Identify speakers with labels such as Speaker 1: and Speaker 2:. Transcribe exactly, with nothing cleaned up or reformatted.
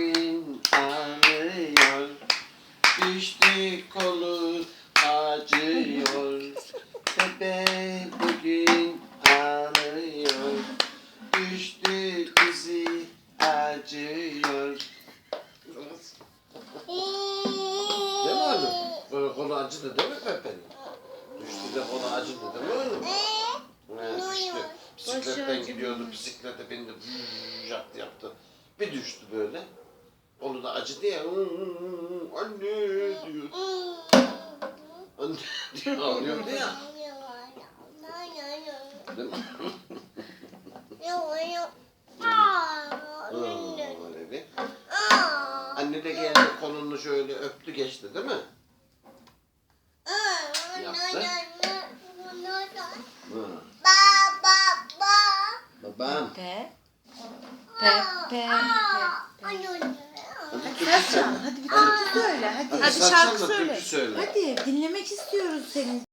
Speaker 1: bugün ağlıyor. Düştü kolu acıyor. Pepe bugün ağlıyor. Düştü dizi acıyor. Değil mi oğlum? Böyle kolu acıdı değil mi Pepe'nin? Düştü de kolu acıdı değil mi oğlum? Evet, düştü. Bisikletten gidiyordu, bisiklete bindi, vuu, yaptı yaptı. Bir düştü böyle. Kolu da acıdı ya, anne diyor. Anne diyor, ağlıyordu ya. Değil mi? Öyle bir. Anne de geldi, kolunu şöyle öptü geçti değil mi? Yaptı. Hı. Babam.
Speaker 2: Pe. Pe. Pe.
Speaker 1: Hadi
Speaker 2: Sercan, hadi bir türkü söyle. Hadi.
Speaker 1: Hadi,
Speaker 2: Hadi
Speaker 1: Sercan
Speaker 2: şarkı
Speaker 1: da
Speaker 2: söyle.
Speaker 1: türkü söyle.
Speaker 2: Hadi dinlemek istiyoruz seni.